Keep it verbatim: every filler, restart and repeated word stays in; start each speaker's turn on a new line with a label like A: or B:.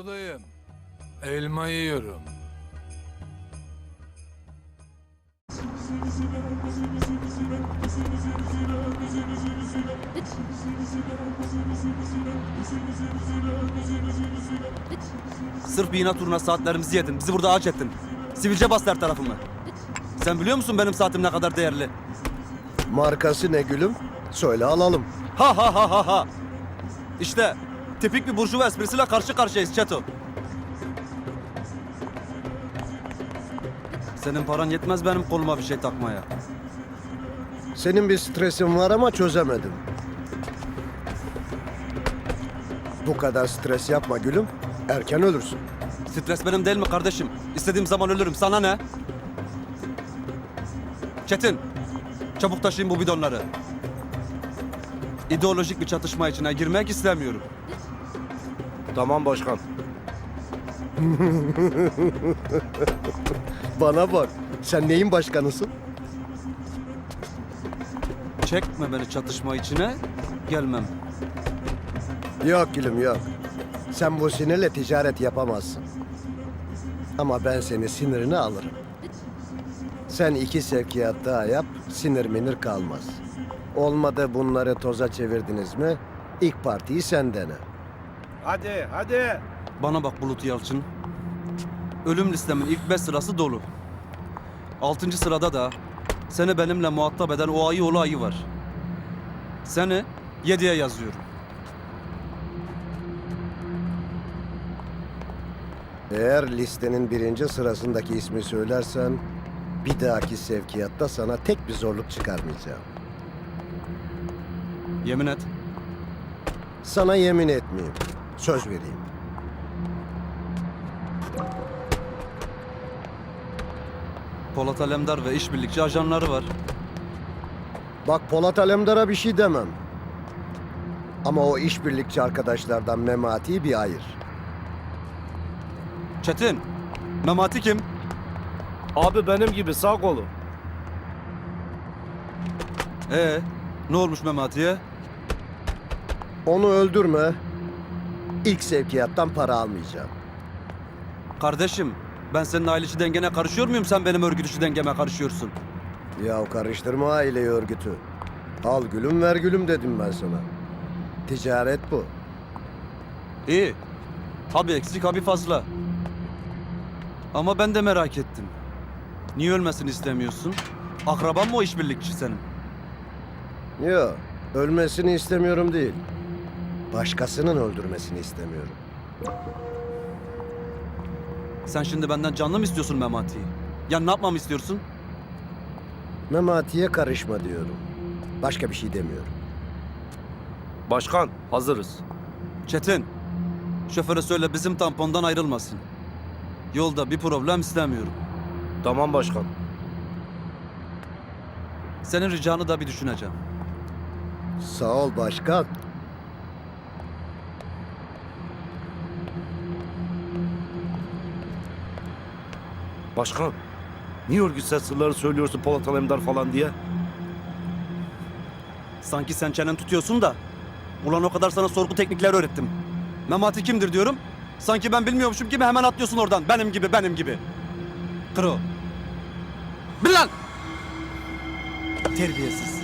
A: Buradayım. Elma yiyorum.
B: Sırf bir inat uğruna saatlerimizi yedin. Bizi burada ağaç ettin. Sivilce bastı her tarafımı. Sen biliyor musun benim saatim ne kadar değerli?
C: Markası ne gülüm? Söyle alalım.
B: Ha ha ha ha ha. İşte tipik bir burjuva esprisiyle karşı karşıyayız Çeto. Senin paran yetmez benim koluma bir şey takmaya.
C: Senin bir stresin var ama çözemedim. Bu kadar stres yapma gülüm. Erken ölürsün.
B: Stres benim değil mi kardeşim? İstediğim zaman ölürüm. Sana ne? Çetin, çabuk taşıyın bu bidonları. İdeolojik bir çatışma içine girmek istemiyorum.
C: Tamam başkan. Bana bak. Sen neyin başkanısın?
B: Çekme beni çatışma içine, gelmem.
C: Yok gülüm yok. Sen bu sinirle ticaret yapamazsın. Ama ben seni sinirini alırım. Sen iki sevkiyat daha yap, sinir minir kalmaz. Olmadı bunları toza çevirdiniz mi, ilk partiyi sen dene.
D: Hadi, hadi.
B: Bana bak Bulut Yalçın. Ölüm listemin ilk beş sırası dolu. Altıncı sırada da seni benimle muhatap eden o ayı oğlu ayı var. Seni yediye yazıyorum.
C: Eğer listenin birinci sırasındaki ismi söylersen, bir dahaki sevkiyatta sana tek bir zorluk çıkarmayacağım.
B: Yemin et.
C: Sana yemin etmeyeyim, söz vereyim.
B: Polat Alemdar ve işbirlikçi ajanları var.
C: Bak Polat Alemdar'a bir şey demem. Ama o işbirlikçi arkadaşlardan Memati'yi bir ayır.
B: Çetin, Memati kim?
D: Abi benim gibi sağ kolu.
B: Ee, ne olmuş Memati'ye?
C: Onu öldürme. İlk sevkiyattan para almayacağım.
B: Kardeşim, ben senin aile içi dengene karışıyor muyum? Sen benim örgüt içi dengeme karışıyorsun.
C: Ya karıştırma aileyi örgütü. Al gülüm ver gülüm dedim ben sana. Ticaret bu.
B: İyi. Ha bir eksik ha bir fazla. Ama ben de merak ettim. Niye ölmesini istemiyorsun? Akraban mı o işbirlikçi senin?
C: Yok, ölmesini istemiyorum değil. Başkasının öldürmesini istemiyorum.
B: Sen şimdi benden canlı mı istiyorsun Memati'yi? Ya ne yapmamı istiyorsun?
C: Memati'ye karışma diyorum. Başka bir şey demiyorum.
D: Başkan, hazırız.
B: Çetin, şoföre söyle bizim tampondan ayrılmasın. Yolda bir problem istemiyorum.
D: Tamam başkan.
B: Senin ricanı da bir düşüneceğim.
C: Sağ ol başkan.
D: Başkan, niye örgütsel sırları söylüyorsun Polat Alemdar falan diye?
B: Sanki sen çenen tutuyorsun da. Ulan o kadar sana sorgu teknikleri öğrettim. Memati kimdir diyorum. Sanki ben bilmiyormuşum gibi hemen atlıyorsun oradan. Benim gibi, benim gibi. Kro. Bil lan! Terbiyesiz.